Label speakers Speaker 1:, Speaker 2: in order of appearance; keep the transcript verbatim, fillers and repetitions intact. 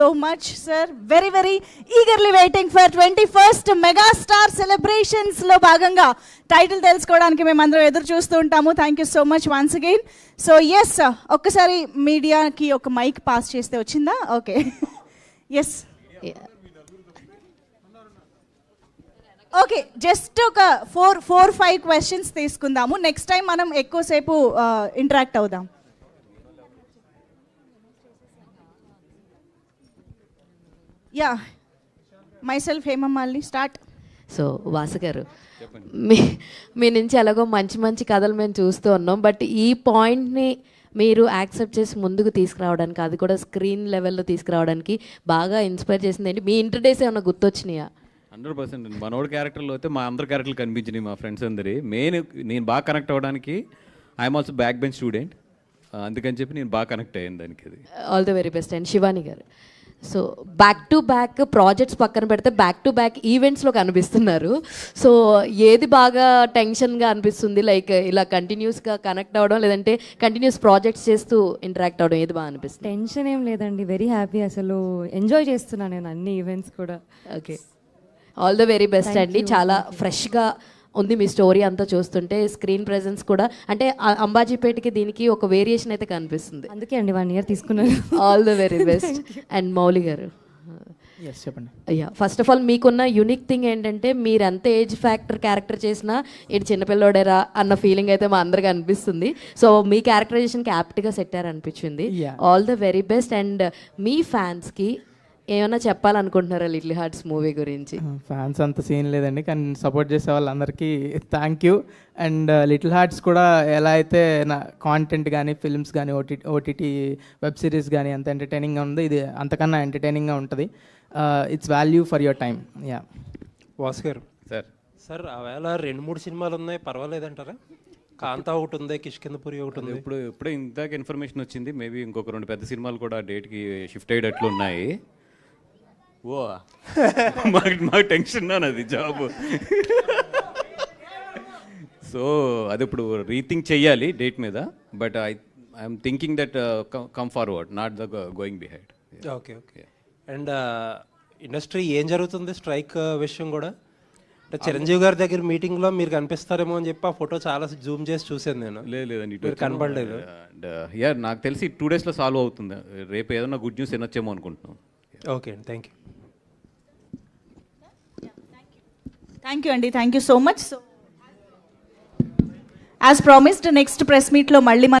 Speaker 1: so much, sir. Very, very eagerly waiting for twenty-first Megastar Celebrations లో భాగంగా title తెలుసుకోవడానికి మేము అందరం ఎదురు చూస్తూ ఉంటాము. Thank you so much once again. So yes, ఒక్కసారి మీడియాకి ఒక మైక్ పాస్ చేస్తే వచ్చిందా? Okay, yes. ఓకే, జస్ట్ ఒక ఫోర్ ఫోర్ ఫైవ్ క్వశ్చన్స్ తీసుకుందాము. నెక్స్ట్ టైం మనం ఎక్కువసేపు ఇంటరాక్ట్ అవుదాం. Yeah, myself Hemamalini, start.
Speaker 2: So Vasu garu, మీ మీ నుంచి ఎలాగో మంచి మంచి కథలు మేము చూస్తూ ఉన్నాం, బట్ ఈ పాయింట్ని మీరు యాక్సెప్ట్ చేసి ముందుకు తీసుకురావడానికి, అది కూడా స్క్రీన్ లెవెల్లో తీసుకురావడానికి బాగా ఇన్స్పైర్ చేసింది ఏంటి? మీ ఇంటర్ డేస్ ఏమన్నా గుర్తొచ్చినాయా?
Speaker 3: హండ్రెడ్ పర్సెంట్ అండి. మనోడి క్యారెక్టర్లో అయితే మా అందరి క్యారెక్టర్లు కనిపించినాయి, మా ఫ్రెండ్స్ అందరి. మెయిన్ నేను బాగా కనెక్ట్ అవ్వడానికి I'm also back bench student, అందుకని చెప్పి నేను బాగా కనెక్ట్ అయ్యాను దానికి. అది
Speaker 2: all the very best. And Shivani garu, so back to back projects పక్కన పెడితే బ్యాక్ టు బ్యాక్ ఈవెంట్స్లో కనిపిస్తున్నారు. సో ఏది బాగా టెన్షన్గా అనిపిస్తుంది? లైక్ ఇలా కంటిన్యూస్గా కనెక్ట్ అవ్వడం, లేదంటే కంటిన్యూస్ ప్రాజెక్ట్స్ చేస్తూ ఇంటరాక్ట్ అవ్వడం, ఏది బాగా అనిపిస్తుంది?
Speaker 4: టెన్షన్ ఏం లేదండి, వెరీ హ్యాపీ. అసలు ఎంజాయ్ చేస్తున్నాను నేను అన్ని ఈవెంట్స్ కూడా.
Speaker 2: Okay, all the very best అండి. చాలా ఫ్రెష్గా ఉంది మీ స్టోరీ అంతా చూస్తుంటే. స్క్రీన్ ప్రెజెన్స్ కూడా అంటే అంబాజీపేటకి దీనికి ఒక వేరియేషన్ అయితే కనిపిస్తుంది.
Speaker 4: అందుకే అండి వన్ ఇయర్ తీసుకున్నాను.
Speaker 2: All the very best. And Mouli garu,
Speaker 5: చెప్పండి.
Speaker 2: అయ్యా, ఫస్ట్ ఆఫ్ ఆల్ మీకున్న యూనిక్ థింగ్ ఏంటంటే మీరు ఎంత ఏజ్ ఫ్యాక్టర్ క్యారెక్టర్ చేసినా ఇది చిన్నపిల్లోడేరా అన్న ఫీలింగ్ అయితే మా అందరికి అనిపిస్తుంది. సో మీ క్యారెక్టరైజేషన్కి యాప్ట్గా సెట్ అనిపించింది. All the very best. And మీ ఫ్యాన్స్కి ఏమైనా చెప్పాలనుకుంటున్నారా లిటిల్ హార్ట్స్ మూవీ గురించి?
Speaker 5: ఫ్యాన్స్ అంత సీన్ లేదండి, కానీ సపోర్ట్ చేసే వాళ్ళందరికీ thank you. And Little Hearts కూడా ఎలా అయితే నా కాంటెంట్ కానీ, ఫిల్మ్స్ కానీ, ఓటీ ఓటీటీ వెబ్ సిరీస్ కానీ ఎంత ఎంటర్టైనింగ్గా ఉందో, ఇది అంతకన్నా ఎంటర్టైనింగ్గా ఉంటుంది. It's value for your time. Yeah.
Speaker 6: Vasu garu
Speaker 3: sir
Speaker 6: sir ఆవేళ రెండు మూడు సినిమాలు ఉన్నాయి, పర్వాలేదంటారా? కాంతా ఒకటి ఉంది, కిష్కిందపురి ఒకటి ఉంది.
Speaker 3: ఇప్పుడు ఇప్పుడే ఇందాక ఇన్ఫర్మేషన్ వచ్చింది, మేబీ ఇంకొక రెండు పెద్ద సినిమాలు కూడా డేట్కి షిఫ్ట్ అయ్యేటట్లు ఉన్నాయి. ఓ మాకు మాకు టెన్షన్ అది జాబ్. సో అది ఇప్పుడు రీథింక్ చెయ్యాలి డేట్ మీద, but I I'm thinking that come forward, not the going behind.
Speaker 6: Okay okay. And industry ఏం జరుగుతుంది స్ట్రైక్ విషయం కూడా? అంటే చిరంజీవి గారి దగ్గర మీటింగ్లో మీరు కనిపిస్తారేమో అని చెప్పి ఆ ఫోటో చాలా జూమ్ చేసి చూసాను నేను.
Speaker 3: లేదు లేదండి,
Speaker 6: ఇటు కనపడలేదు.
Speaker 3: అండ్ యా, నాకు తెలిసి టూ డేస్లో సాల్వ్ అవుతుంది. రేపు ఏదైనా గుడ్ న్యూస్ వినొచ్చేమో అనుకుంటున్నాం.
Speaker 6: ఓకే అండి, థ్యాంక్ యూ.
Speaker 1: థ్యాంక్ యూ అండి, thank you so much. So as promised next press మీట్లో మళ్ళీ